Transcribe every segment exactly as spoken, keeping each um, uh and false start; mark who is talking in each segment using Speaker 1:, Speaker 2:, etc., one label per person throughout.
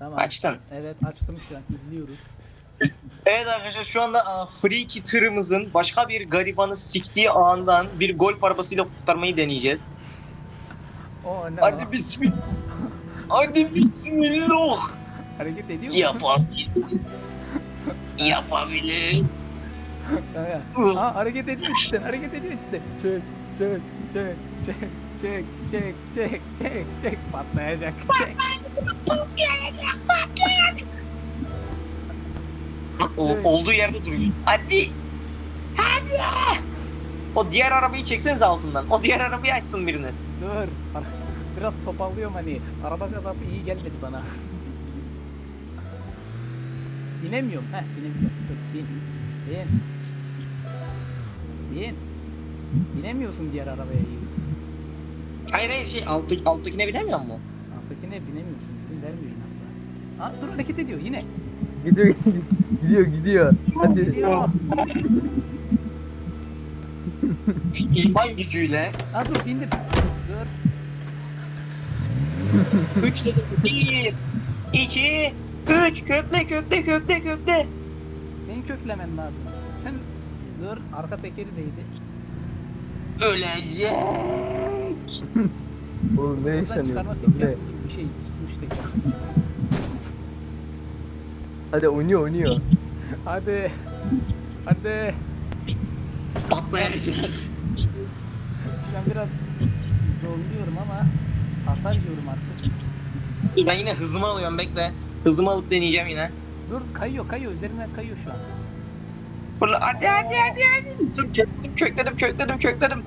Speaker 1: Tamam.
Speaker 2: Açtın.
Speaker 1: Evet açtım şu an izliyoruz.
Speaker 2: Evet arkadaşlar şu anda a, Freaky tırımızın başka bir garibanı siktiği ağından bir golf arabasıyla kurtarmayı deneyeceğiz.
Speaker 1: O ne o?
Speaker 2: Hadi bismillah. Hadi bismillah.
Speaker 1: Hareket ediyor mu?
Speaker 2: Yapabilir. Yapabilir.
Speaker 1: Kanka. Aa hareket ediyor işte hareket ediyor işte. Çek çek çek çek çek çek çek çek çek patlayacak çek.
Speaker 2: O, olduğu yerde duruyor. Hadi. Hadi. O diğer arabayı çekseniz altından. O diğer arabayı açsın biriniz.
Speaker 1: Dur. Biraz topallıyorum hani. Araba kadar iyi gelmedi bana. Binemiyorum. Heh binemiyorum. Dur bin. Bin. Bin. Binemiyorsun diğer arabaya Yıldız.
Speaker 2: Hayır hayır şey alttaki, alttakine binemiyor mu?
Speaker 1: Alttakine binemiyorsun. İzin vermiyor inatla. Aa dur hareket ediyor yine.
Speaker 3: Gidiyor gidiyor gidiyor. Hadi.
Speaker 1: Gidiyor.
Speaker 2: İman gücüyle.
Speaker 1: Aa dur bindim. Dur.
Speaker 2: Üç dedim. Bir. İki. Üç. Kökle kökle kökle kökle.
Speaker 1: Senin köklemen lazım. Sen dur arka tekeri değdi.
Speaker 2: Ölecek.
Speaker 3: Oğlum ne
Speaker 1: Buradan
Speaker 3: yaşanıyor?
Speaker 1: çıkarması
Speaker 3: Ne?
Speaker 1: imkansız gibi bir şey tutmuş teker.
Speaker 3: Hadi oynuyor oynuyor.
Speaker 1: Hadi. Hadi.
Speaker 2: Patlayacak.
Speaker 1: Şu an biraz zorluyorum ama hasar yiyorum artık.
Speaker 2: Ben yine hızımı alıyorum bekle. Hızımı alıp deneyeceğim yine.
Speaker 1: Dur kayıyor kayıyor üzerinden kayıyor şu an.
Speaker 2: Fırla hadi hadi hadi hadi. Dur, Kökledim kökledim kökledim kökledim.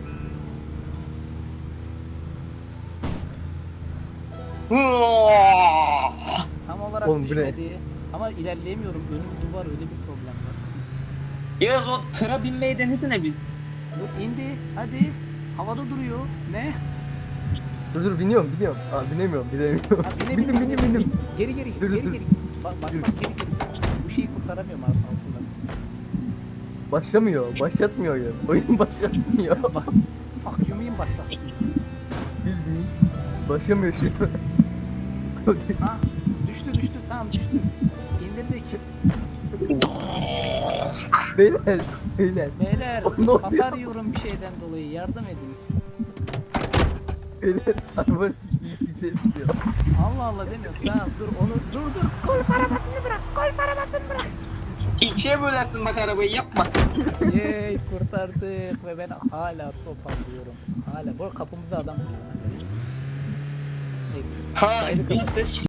Speaker 2: Hıaaaa!
Speaker 1: Tam olarak
Speaker 3: Oğlum, bu ne?
Speaker 1: düşmedi. Ama ilerleyemiyorum. Önüm duvar öyle bir problem var.
Speaker 2: Yağız o tıra binmeyi denesene biz.
Speaker 1: Dur indi. Hadi. Havada duruyor. Ne?
Speaker 3: Dur dur biniyorum biniyorum. Aa binemiyorum binemiyorum.
Speaker 1: Ha, bine,
Speaker 3: bindim
Speaker 1: bine,
Speaker 3: bindim
Speaker 1: bine,
Speaker 3: bindim.
Speaker 1: Geri geri
Speaker 3: Dur,
Speaker 1: geri
Speaker 3: dur,
Speaker 1: geri. Bak bak
Speaker 3: dur.
Speaker 1: bak geri geri. Bu şeyi kurtaramıyorum alt- altından.
Speaker 3: Başlamıyor başlatmıyor oyun. Oyun başlatmıyor.
Speaker 1: Bak. Fuck you mean başla.
Speaker 3: Bildiğin. Başlamıyor şu an.
Speaker 1: Ha düştü düştü tamam düştü. İndirdik.
Speaker 3: Beyler beyler.
Speaker 1: Beyler
Speaker 3: O ne oluyor?
Speaker 1: hasar yiyorum bir şeyden dolayı yardım edin.
Speaker 3: Beyler araba iyi gidiyor.
Speaker 1: Allah Allah demiyor. Tamam dur onu dur dur. Golf arabasını bırak. Golf arabasını bırak.
Speaker 2: İkiye bölersin bak arabayı yapma.
Speaker 1: Yey kurtardık ve ben hala toparlıyorum. Hala bu kapımızda adam duruyor.
Speaker 2: Ha
Speaker 1: Kaydı
Speaker 2: bir
Speaker 1: kapat.
Speaker 2: ses